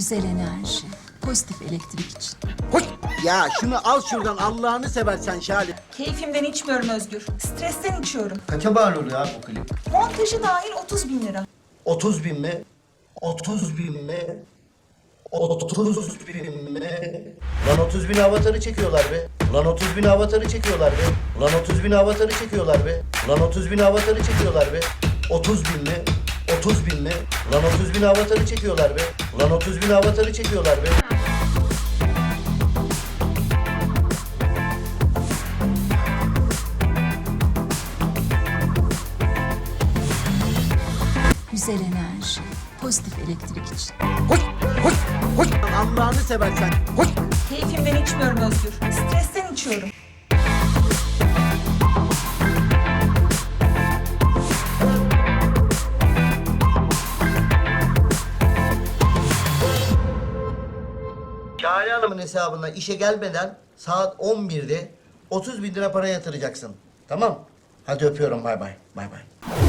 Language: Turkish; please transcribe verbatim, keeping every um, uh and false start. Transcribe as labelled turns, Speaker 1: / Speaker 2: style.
Speaker 1: Güzel enerji, pozitif elektrik için.
Speaker 2: Hoş. Ya şunu al şuradan Allah'ını seversen Şale.
Speaker 3: Keyfimden içmiyorum Özgür. Stresten içiyorum.
Speaker 4: Kaça mal oluyor abi bu klip?
Speaker 3: Montajı dahil otuz bin lira.
Speaker 4: otuz bin mi? otuz bin mi? otuz bin mi? Lan otuz bin avatarı çekiyorlar be. Lan otuz bin avatarı çekiyorlar be. Lan otuz bin avatarı çekiyorlar be. Lan otuz bin avatarı çekiyorlar be. otuz bin mi? otuz bin mi? Lan otuz bin avatarı çekiyorlar be. Lan otuz bin avatarı çekiyorlar be.
Speaker 1: Güzel enerji, pozitif elektrik için.
Speaker 2: Hoş. Hoş. Hoş. Allah'ını seversen. Hoş.
Speaker 3: Keyfimden içmiyorum Özgür. Stresten içiyorum.
Speaker 4: Şahane Hanım'ın hesabına işe gelmeden saat on birde otuz bin lira para yatıracaksın. Tamam? Hadi öpüyorum. Bay bay. Bay bay.